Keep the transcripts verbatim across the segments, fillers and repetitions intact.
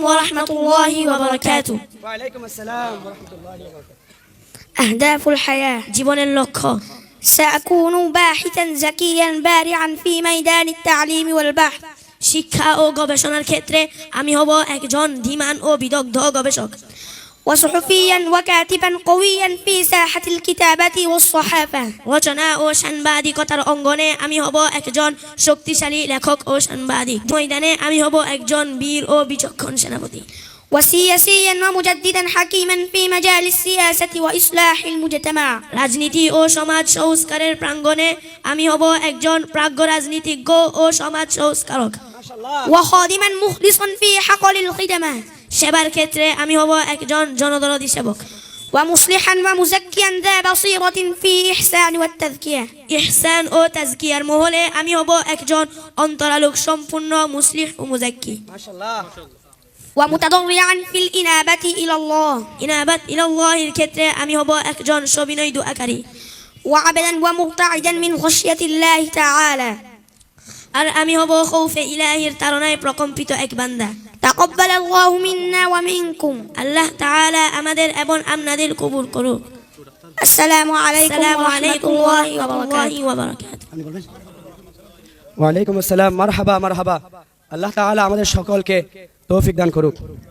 ورحمة الله وبركاته. وعليكم السلام ورحمة الله وبركاته. أهداف الحياة জীবন اللقاء. سأكون باحثا ذكيا بارعا في ميدان التعليم والبحث. শিক্ষা ও গবেষণার ক্ষেত্রে আমি হব একজন ধীমান ও বিদগ্ধ গবেষক। وصحفيا وكاتبا قويا في ساحة الكتابة والصحافة. রচনা ও সাংবাদিকতার অঙ্গনে আমি হব একজন শক্তিশালী লেখক ও সাংবাদিক। ময়দানে আমি হব একজন বীর ও বিচক্ষণ সেনাপতি। وسياسيا ومجددا حكيما في مجال السياسة وإصلاح المجتمع. রাজনীতি ও সমাজ সংস্কারের প্রাঙ্গণে আমি হব একজন প্রাজ্ঞ রাজনীতিজ্ঞ ও সমাজ সংস্কারক। وخادما مخلصا في حقل الخدمة. সেবার ক্ষেত্রে আমি হব একজন জনদরদী সেবক। ومصلحا ومزكيا ذا بصيرة في إحسان والتذكية. ইহসান ও তাজকিয়ার মহলে আমি হব একজন অন্তরালোক সম্পূর্ণ মুসলিহ ও মুজাক্কি। মাশাআল্লাহ। ومتضرعا في الإنابة إلى الله. ইনাবাত ইলাল্লাহির ক্ষেত্রে আমি হব একজন সবিনয় দুআকারী। وعبدا ومرتعدا من خشية الله تعالى. আর আমি হব খৌফে ইলাহির তাড়নায় প্রকম্পিত এক বান্দা। تقبل الله منا ومنكم. আল্লাহ তাআলা আমাদের এবং আপনাদের কবুল করুক। السلام عليكم আসসালামু ورحمة আলাইকুম الله ওয়া রাহমাতুল্লাহি وبركاته. ওয়া বারাকাতুহু। আমি বলবেন? ওয়ালাইকুম আসসালাম। মারহাবা মারহাবা। আল্লাহ তাআলা আমাদের সকলকে তৌফিক দান করুক।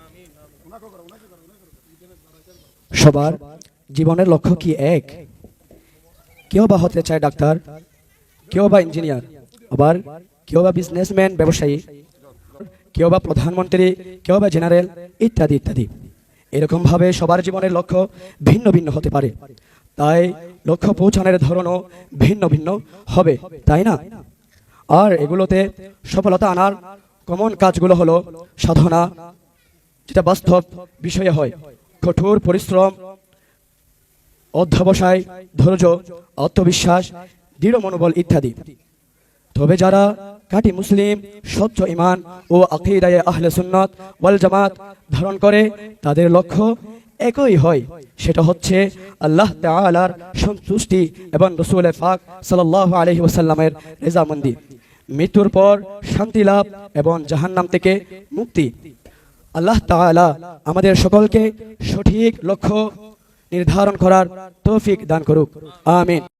সবার জীবনের লক্ষ্য কি এক? কেউ বা হতে চায় ডাক্তার, কেউ বা ইঞ্জিনিয়ার, আবার কেউ বা বিজনেসম্যান ব্যবসায়ী, কেউ বা প্রধানমন্ত্রী, কেউ বা জেনারেল ইত্যাদি ইত্যাদি। এরকম ভাবে সবার জীবনের লক্ষ্য ভিন্ন ভিন্ন হতে পারে, তাই লক্ষ্য পৌঁছানোর ধরনও ভিন্ন ভিন্ন হবে, তাই না? আর এগুলোতে সফলতা আনার কমন কাজগুলো হলো সাধনা, যেটা বাস্তব বিষয়ে হয়, কঠোর পরিশ্রম, অধ্যবসায়, ধৈর্য, আত্মবিশ্বাস, দৃঢ় মনোবল ইত্যাদি। তবে যারা খাঁটি মুসলিম, স্বচ্ছ ঈমান ও আকীদায়ে আহলে সুন্নাত ওয়াল জামাত ধারণ করে, তাদের লক্ষ্য একই হয়, সেটা হচ্ছে আল্লাহ তাআলার সন্তুষ্টি এবং রাসূল পাক সাল্লাল্লাহু আলাইহি ওয়াসাল্লামের রেজামন্দি, মৃত্যুর পর শান্তি লাভ এবং জাহান্নাম থেকে মুক্তি। আল্লাহ তাআলা আমাদের সকলকে সঠিক লক্ষ্য নির্ধারণ করার তৌফিক দান করুক, আমিন।